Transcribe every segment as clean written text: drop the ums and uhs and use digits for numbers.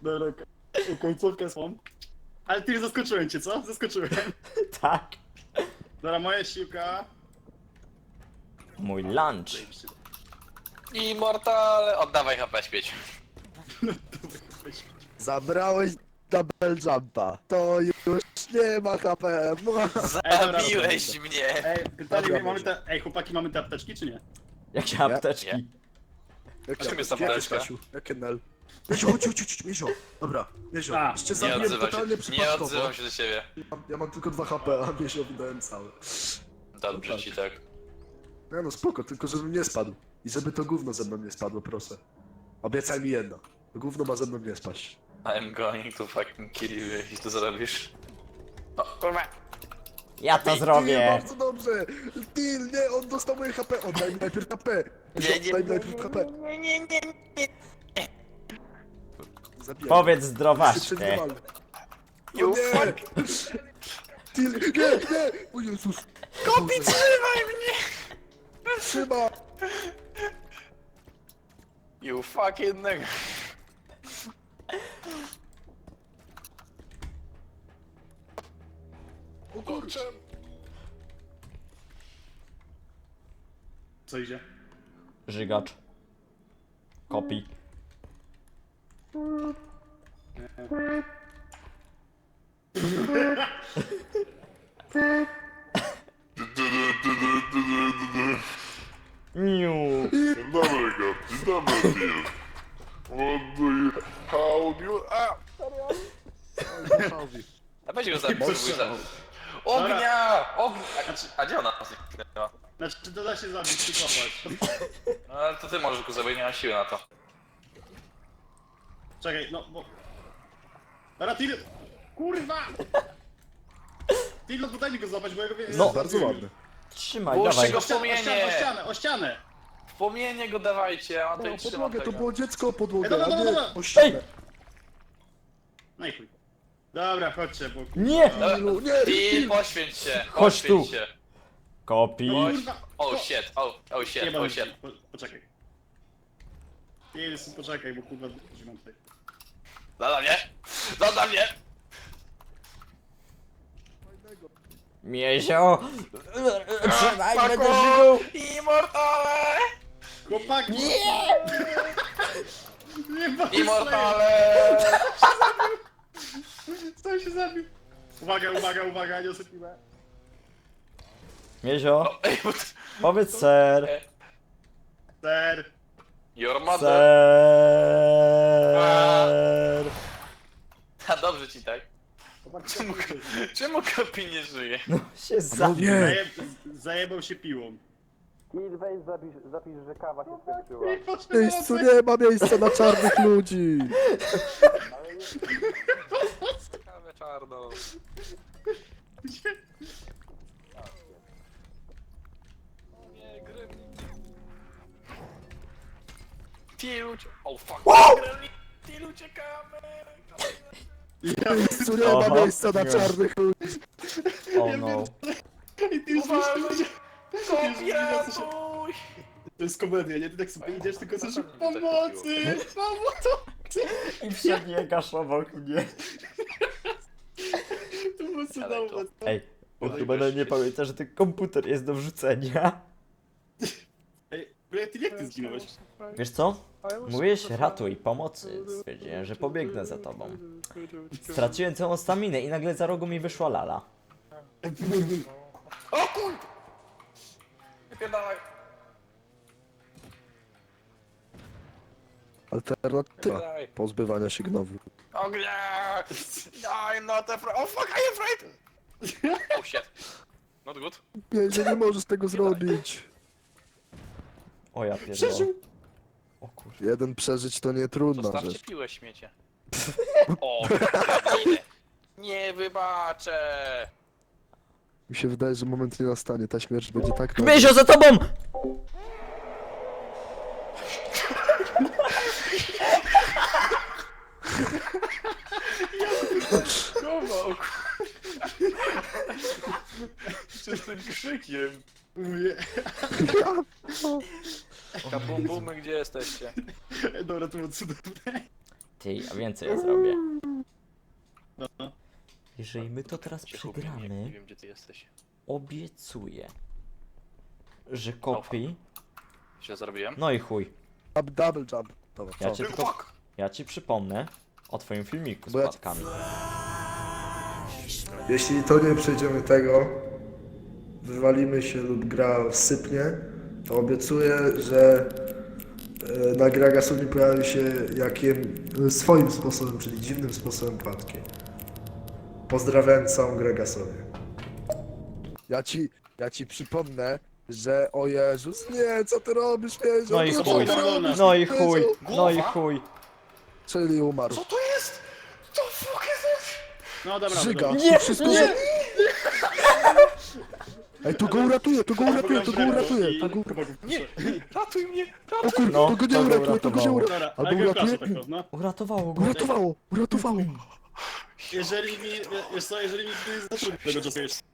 Dobra, końcówkę swą. Ale ty zaskoczyłem cię, co? Zaskoczyłem. Tak. Dobra, moja siłka. Mój lunch. Immortal! Oddawaj HP śmieć. Zabrałeś double jumpa. To już nie ma HP. Zabiłeś mnie! Ej, pytanie, Dobra, mamy może. te... Ej, chłopaki, mamy te apteczki, czy nie? Jakie Nie? apteczki? Czym jest Jakie, apteczka? Kasiu? Jakie nel? Miezio, chodź, Miezio. Dobra, Miezio. A, Jeszcze Nie zabiłem odzywam totalnie się, nie przypadkowo. odzywam się do siebie. Ja mam tylko 2 HP, a Mieziowi dałem całe. Dobrze ci tak. Nie no spoko, tylko żebym nie spadł. I żeby to gówno ze mną nie spadło, proszę. Obiecaj mi jedno. To gówno ma ze mną nie spaść. I'm going to fucking kill you, jeśli to zrobisz. O, kurwa! Ja to Nie, zrobię. bardzo dobrze! Till, nie, on dostał moje HP! Oddaj mi najpierw HP! Nie, nie, Oddaj mi najpierw HP! nie. Zabijaj. Powiedz Się zdrowaśkę. przegniewamy. You O nie! fuck! Till, nie! O Jezus! Kopi, trzymaj mnie! Trzyma! You fucking nigga. O kurczę! Co idzie? Żygacz. Kopi. Niu. Dzień dobry, Gab. Dzień dobry, Phil. What do you... How do you... A! A weź go zabij, za... Ognia! Ognia! A gdzie ona zniknęła? Znaczy, to da się zabić, czy kopać. No ale to ty możesz go zabić, nie mam siły na to. Czekaj, no, bo... Dobra, Till... Kurwa! Till, no daj mi go złapać, bo ja go wiem... No. Bardzo ładny. Trzymaj, Puszczę dawaj. go. O ścianę, o ścianę, o ścianę! W płomienie go dawajcie, a O, tutaj trzymam podłogę, to tego. było dziecko o podłogę, Dobra, a dobra, nie dobra. o ścianę. No i chuj. Dobra, chodźcie, bo... Nie! Tillu, nie! Till, poświęć się, Chodź tu. poświęć się. Kopi. Kurwa! Oh shit, oh shit, Nie oh mam shit. poczekaj. Till, poczekaj, bo kurwa... Gdzie mam tutaj? Zada mnie! Zada mnie! Miezio. Trzymaj, będę żygał. Immortale! Chłopaki! Nie! Nie ma Immortale! Co się zabił? Uwaga, uwaga, uwaga, nie osypiłem. Miezio. O, ej, bo to- Powiedz ser. Ser. Your mother! Ser. A dobrze ci tak. Czemu Kopi nie żyje? No się No zabił. nie! Zajebał się piłą. Kill, weź zapisz, że kawa się skończyła. W miejscu nie ma miejsca na czarnych ludzi! Kawę czarną. Nie, gremlin. Till oh fuck. Gremlin. Till uciekamy. W miejscu nie ma Aha, miejsca na nie. czarnych ludzi! Oh no. I ty już Uważaj. Kopi, To ratuj! jest komedia, nie? Ty tak sobie idziesz, tylko Co coś tam mnie pomocy! Pomocy! I przebiegasz obok mnie. To było Ale cudowne. Ej, chyba nie pamięta, że ten komputer jest do wrzucenia. Ej, ty jak ty zginąłeś? Wiesz co? Mówiłeś ratuj, pomocy. Stwierdziłem, że pobiegnę za tobą. Straciłem całą staminę i nagle za rogu mi wyszła lala. O kur... Wypierdalaj. Alternatywa pozbywania się gnowu. Ognia! I'm not afraid. Oh fuck, I am afraid! Oh shit. Not good. Nie możesz tego zrobić! O ja pierdolę. O kur... Jeden przeżyć to nie trudna Zostawcie rzecz. piłę, śmiecie. O, nie wybaczę! Mi się wydaje, że moment nie nastanie, ta śmierć będzie tak... Miezio, za tobą! Chował, z tym krzykiem. Mówię, Kabum bumy, gdzie jesteście? dobra, to było cudowne. Ty, a więcej ja zrobię. No. Jeżeli my to teraz Cię chłopie, przegramy, nie wiem gdzie ty jesteś. obiecuję, że kopi... Źle zrobiłem? No i chuj. Double jump. Dobra, Ja co? cię tylko... Ja ci przypomnę o twoim filmiku z Bo ja- płatkami. Jeśli to nie przejdziemy tego, wywalimy się lub gra sypnie, to obiecuję, że na Gragasuni pojawi się swoim sposobem, czyli dziwnym sposobem płatki. Pozdrawiam całą Gragasonię. Ja ci przypomnę, że o Jezus, nie, co ty robisz, Mieziu? No i Co chuj, ty robisz, no i Mieziu? chuj, no i Głowa? chuj. Czyli umarł. Co to jest? Co fuck is this? No dobra, Żyga, dobra. Nie, wszystko nie. że... Ej, to go uratuje, to go uratuje, to go uratuje, to go... Nie! Ratuj mnie! O kurde, No, to go nie to go uratuje, to go nie uratowało. uratuje. Dobra, Albo ale go uratuje? proszę tak, no. Uratowało go. Uratowało, uratowało. Jeżeli mi, wiesz co, jeżeli mi nie zatrudni tego czasu jeszcze.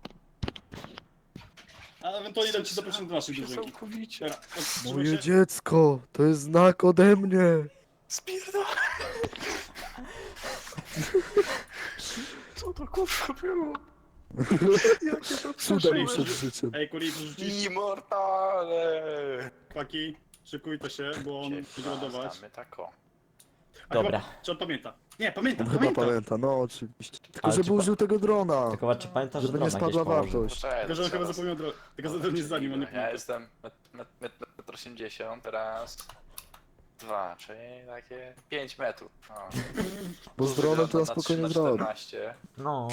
A ewentualnie dam ci zaproszenie do naszej drużynki. Całkowicie. Dobra, to Moje trzymaj się. dziecko, to jest znak ode mnie. Spierdolę! Co to kurwa było? Jakie to Cudem przeżycie? przed życiem. Ej, kuli, przerzucić Immortale! paki. Szykujcie się, bo on będzie ładować. Znamy tako. A Dobra. chyba- Czy on pamięta? Nie, pamiętam, Chyba pamiętam. pamięta, no oczywiście. Tylko Ale żeby ci pa- użył tego drona, Tylko czy pamiętasz, że żeby nie drona gdzieś spadła położył? wartość. Tylko, że on chyba zapomniał drogę. Tylko to nie za nim, on nie Ja pamięta. jestem 1,80 m, teraz 2, czyli takie 5 metrów. O. Bo z dronem to na Na spokojnie 3 na zrobi. 14, No.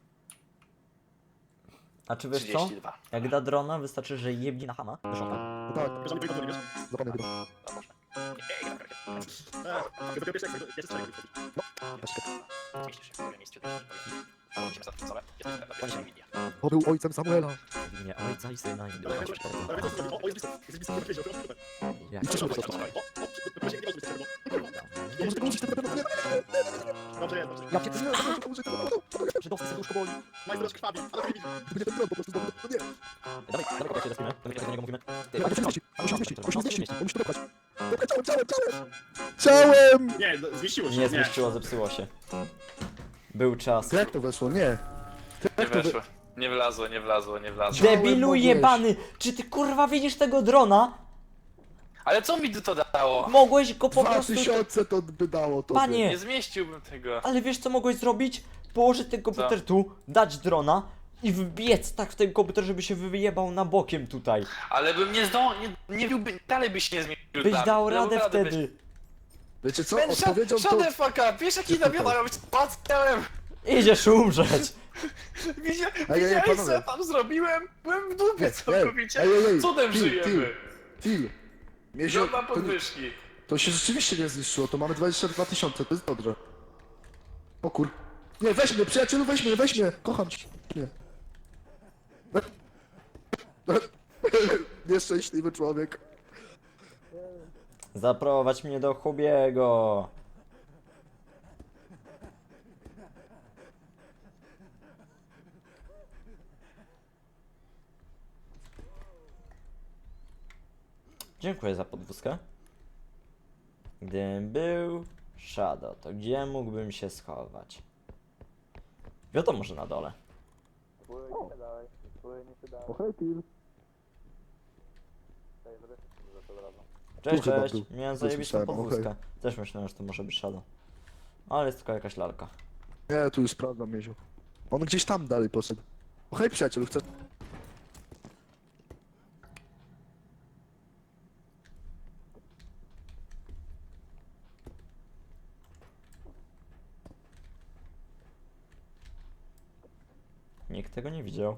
A czy wiesz co? 32. Jak da drona, wystarczy, że jebni na hama. Wiesz o tym? Tak, Tylko, że on nie pamięta, nie wiesz? zapomnę chyba. No może. Dopiero pierwszy, jak jeszcze człowiek Zmieścisz się w moim miejscu, musimy zatrudnione. Jestem na media. To był ojcem Samuela. W imię ojca i syna i ducha Ale świętego. o, jest blisko, jest blisko, jest blisko, Jak I cieszył się. to właśnie nie może być tego. Nie może tego użyć, tego nie. Dobrze jest, dobrze. Ja cię nie użyć tego. Żydowscy serduszko boli. Majster krwawi, ale to nie widzi. Będzie ten dron po prostu znowu. No nie. Dawaj, dawaj kopię się zespimy. To my do niego mówimy. Ty, Ale musi zmieścić, musi zmieścić, musi No, zmieścić, zmieści. on musi to dopchać. Dopchać ciałem. Ciałem! Nie, zmieściło się. Nie zmieściło, zepsuło się. Był czas. Jak to weszło? Nie. Nie weszło. Nie wlazło, nie wlazło, nie wlazło. Ciałem Debilu mogłeś. jebany! Czy ty kurwa widzisz tego drona? Ale co mi to dało? Mogłeś go po prostu... 2000 to by dało to. Panie! Nie zmieściłbym tego. Ale wiesz co mogłeś zrobić? Położyć ten komputer tu, dać drona i wbiec tak w ten komputer, żeby się wyjebał na bokiem tutaj. Ale bym nie biłby, dalej byś nie zmieścił. Byś tam. dał Dałbym radę radę, wtedy. Wiecie co? Man, Odpowiedzią shut to... the fuck up! Wiesz jaki nawiona robić z ciałem? Idziesz umrzeć. Widziałeś co panowie. ja tam zrobiłem? Byłem w dupie całkowicie. ej, Cudem Til, żyjemy. Til. Miezio, Żadna to, podwyżki. to się rzeczywiście nie zniszczyło, to mamy 22 000, to jest dobrze. O kur... Nie, weź mnie, przyjacielu, weź mnie, kocham cię. Nie. Nieszczęśliwy człowiek. Zaprowadź mnie do Hubiego. Dziękuję za podwózkę. Gdybym był Shadow, to gdzie mógłbym się schować? Wiadomo, że na dole. O, hej, Til. Cześć, Tu chyba cześć. był. Miałem Coś zajebistą słyszałem, podwózkę. okej. Też myślałem, że to może być Shadow. Ale jest tylko jakaś lalka. Nie, tu już sprawdzam, Mieziu. On gdzieś tam dalej poszedł. O, hej, przyjacielu, chcę... Nikt tego nie widział.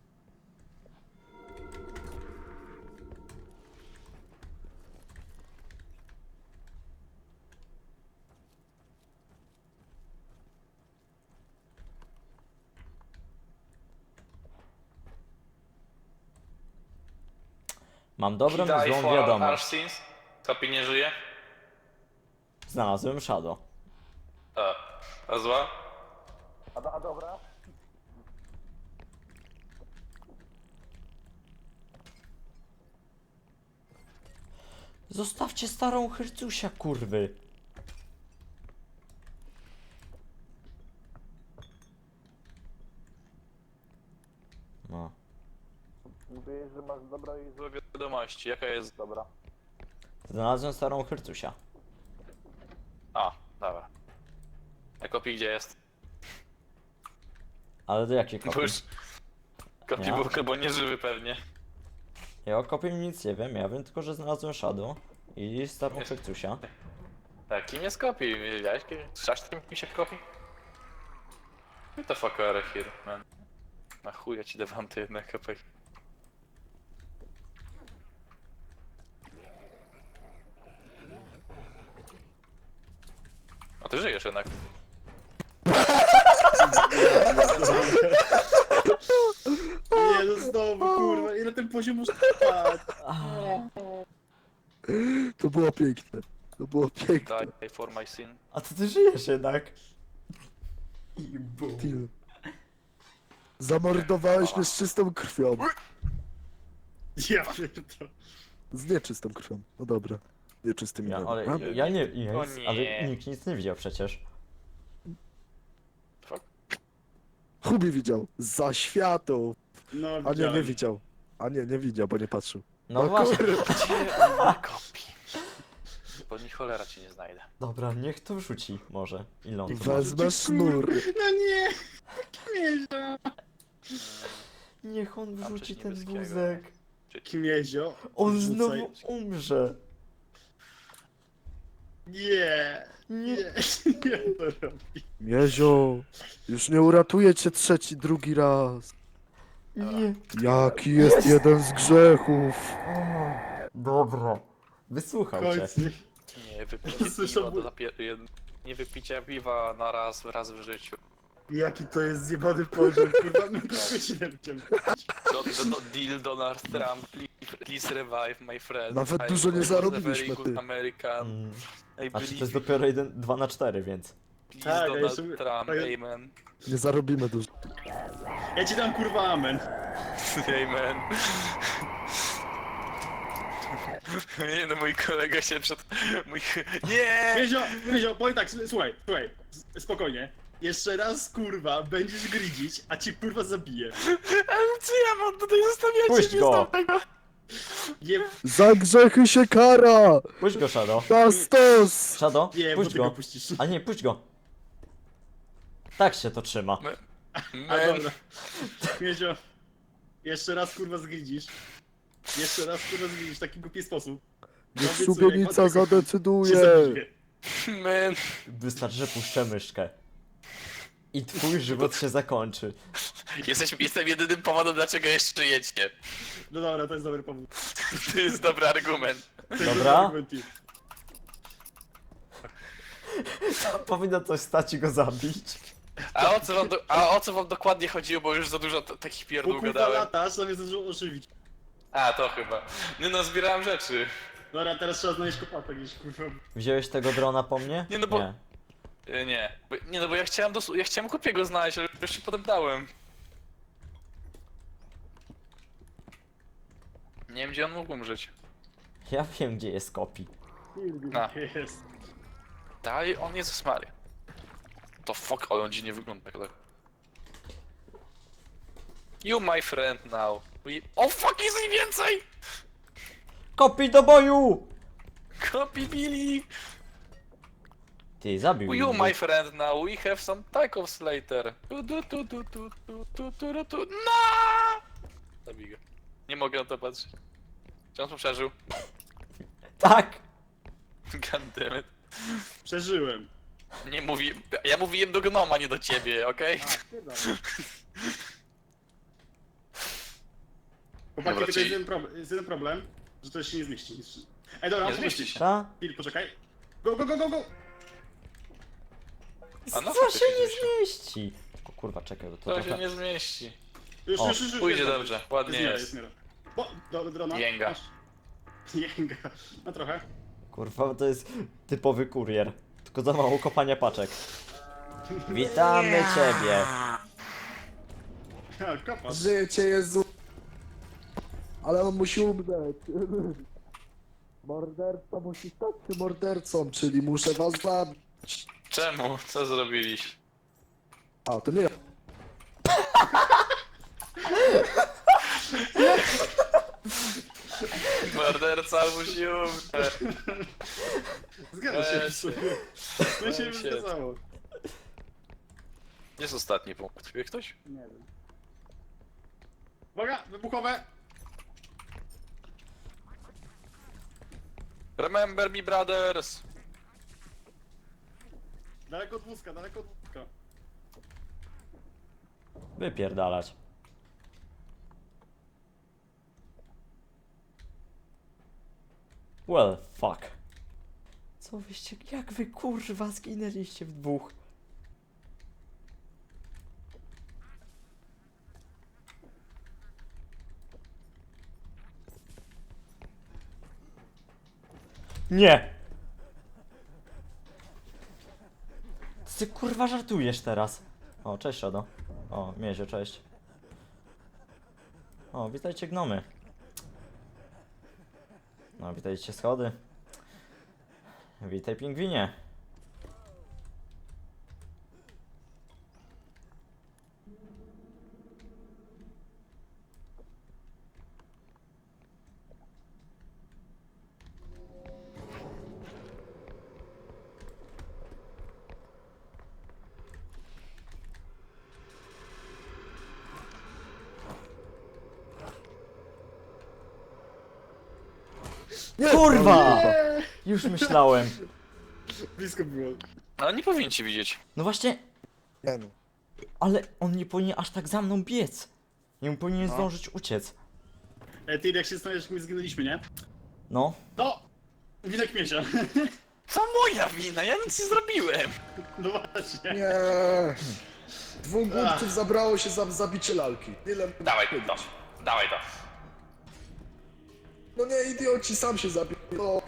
Mam dobrą Die i złą for wiadomość. Arsins. Kopi nie żyje? Znalazłem Shadow. A zła? Zostawcie starą Hercusia, kurwy. No. Mówisz, że masz dobro i złe wiadomości. Jaka jest dobra? Znalazłem starą Hercusia. A, dobra. A kopi gdzie jest? Ale do jakiej Bo kopii? już... Kopi Ja? był chyba nieżywy pewnie. Ja o kopii nic nie wiem, ja wiem tylko, że znalazłem Shadow i starą Hercusia. Tak, kim jest kopi? Wiedziałeś kim? Słyszasz kim się kopi? What the fuck are here, man? Na chuj ja ci dawam te jedne kopek. A ty żyjesz jednak. Nie, no znowu, kurwa, ile ten poziom muszę trwać? To było piękne. To było piękne. Die for my sin. A to ty żyjesz jednak. I bum. Till. Zamordowałeś mnie z czystą krwią. Ja pierdolę. Z nieczystą krwią. No dobra. Nieczystymi Ja, nogami. ale ja nie, ja O nic, nie. ale nikt nic nie widział przecież. Fuck. Hubi widział. Za światło. No, A nie, nie widziałem. widział. A nie, nie widział, bo nie patrzył. No No właśnie. Gdzie on kopi? Bo ni cholera ci nie znajdę. Dobra, niech to wrzuci może. Ile on to ma? Wezmę sznur. No nie! Kmiezio! Niech on Mam wrzuci coś ten niebieskiego. wózek. Kmiezio! On wrzucaj. znowu umrze. Nie! Nie. Nie to robi. Miezio, już nie uratuję cię drugi raz. Nie. Jaki jest jeden z grzechów? Dobra. Wysłuchał cię. Końcu. Nie wypicie Słyszę piwa ból. nie wypicie piwa na raz w życiu. Jaki to jest zjebany poziom, kurwa, my to godzinę chciałem. Deal Donald Trump, please revive my friend. Nawet I dużo nie was a zarobiliśmy, very good ty. American. Mm. I Znaczy to jest believe dopiero 2 na 4, więc. please Tak, a Donald jeszcze- Trump, a ja- amen. Nie zarobimy dużo. Ja ci dam kurwa amen. Amen. Nie no, mój kolega się przed... Nie! Kmiezio, powiem tak, słuchaj, spokojnie. Jeszcze raz, kurwa, będziesz gridzić, a cię kurwa zabiję. Ale co ja mam tutaj zostawiać? Puść go! Nie, Za grzechy się kara! Puść go, Shadow. Na stos! Shadow, nie, bo puść ty go go. puścisz. A nie, puść go. Tak się to trzyma. A Man. dobra. Kmiezio, jeszcze raz kurwa zgridzisz. Jeszcze raz kurwa zgridzisz w taki głupi sposób. Niech Obiecuję, szubienica jak cię zadecyduje. zabiję. Man. Wystarczy, że puszczę myszkę. I twój żywot się zakończy. Jestem jedynym powodem, dlaczego jeszcze jedzie. No dobra, to jest dobry powód. To jest dobry argument. To jest Dobra. dobry argument, Tim. Powinno coś stać i go zabić. A o co wam dokładnie chodziło, bo już za dużo takich Bo pierdół kurwa gadałem. latasz, zamiast ożywić. A, to chyba. Nie no, zbierałem rzeczy. Dobra, teraz trzeba znaleźć kopata gdzieś, kurwa. Wziąłeś tego drona po mnie? Nie, no bo- Nie. Nie no, bo ja chciałem Kopiego znaleźć, ale już się potem dałem. Nie wiem, gdzie on mógł umrzeć. Ja wiem, gdzie jest kopi. A. Jest. Dalej, on jest Maria. To fuck, ale on dziwnie wygląda tak. You my friend now. O fuck, jest ich więcej! Kopi do boju! Copy Billy! Ty, zabił You mnie. my friend now, we have some tacos later. No! Zabij go. Nie mogę na to patrzeć. Czy on to przeżył? Tak! Goddammit. Przeżyłem. Nie mówi... Ja mówiłem do gnoma, nie do ciebie, okej? Chłopaki, Dobra, tylko czyli- jest jeden problem, że to się nie zmieści. Ej, dobra, Nie mam zmieści pomyśleć. się. Ta? Chwil, poczekaj. Go, go, go, go, go! A no, Co się faktycznie nie się. zmieści? O kurwa, czekaj, bo to To się trochę... nie zmieści. Już, O, już, pójdzie dobrze, ładnie miara, jest. miara. O, do drona. Jęga. Masz. Jęga. No trochę. Kurwa, to jest typowy kurier. Tylko za mało kopania paczek. Witamy ciebie. Ha, kopasz. Życie Jezu. Ale on musi umrzeć. Morderca musi stać się mordercą, czyli muszę was zabić. Czemu? Co zrobiliście? A, to nie ja. Morderca albo się umrze. Zgadza się. Weź się. To się Weź już się. zgadzało. Jest ostatni punkt. Wie ktoś? Nie wiem. Uwaga, wybuchowe! Remember me, brothers! Daleko od wózka, daleko od wózka. Wypierdalać. Well, fuck. Co wyście, jak wy kurwa zginęliście w dwóch? Nie! Ty kurwa żartujesz teraz. O, cześć Shadow. O, Miezio, cześć. O, witajcie gnomy. No, witajcie schody. Witaj pingwinie. Kurwa! Już myślałem. Blisko było. Ale nie powinien ci widzieć. No właśnie, Nie no. ale on nie powinien aż tak za mną biec. Nie powinien No. zdążyć uciec. Ty, jak się zastanawiasz, jak my zginęliśmy, nie? No. To! Winek Miesia. To moja wina, ja nic nie zrobiłem. No właśnie. Nie. Dwóch głupców zabrało się za zabicie lalki. Tyle mogę Dawaj powiedzieć. to, dawaj to. No nie, idioci, sam się zabił. No.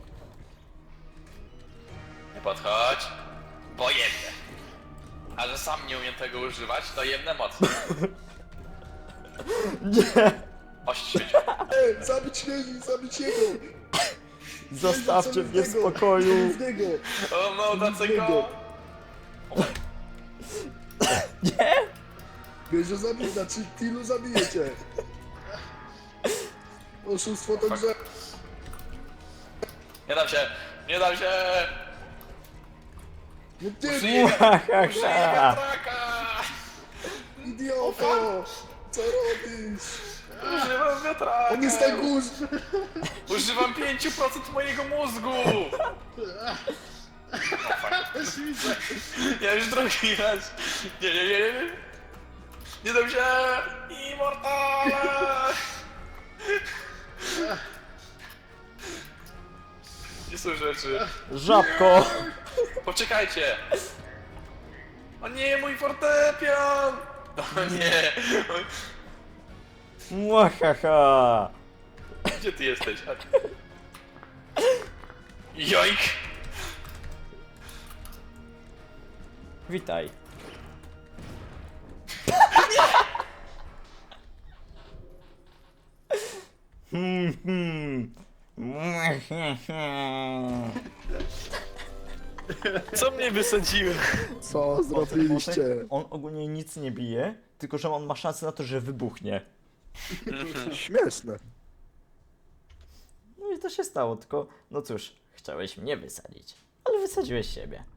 Nie podchodź, bo jebnę. A że sam nie umiem tego używać, to jebnę mocno. Nie! Oświecił. Zabić jego! Zostawcie mnie w spokoju. W niego! O no, dlaczego? Nie! Wiesz, że zabij, znaczy Tilu zabijecie. Oszustwo to grze. Nie dam się, nie dam się! No nie, Użyję wiatraka! idioto! Co robisz? Używam wiatraka! On jest tak górz! Używam 5% mojego mózgu! Też widzę. Ja już drugi raz. Nie. Nie dam się! Immortale! Gdzie są rzeczy? Żabko! Poczekajcie! O nie, mój fortepian! O nie! Mwahaha! Gdzie ty jesteś? Joik! Witaj. Co mnie wysadziły? Co zrobiliście? On ogólnie nic nie bije, tylko że on ma szansę na to, że wybuchnie. Śmieszne. No i to się stało, tylko no cóż, chciałeś mnie wysadzić, ale wysadziłeś siebie.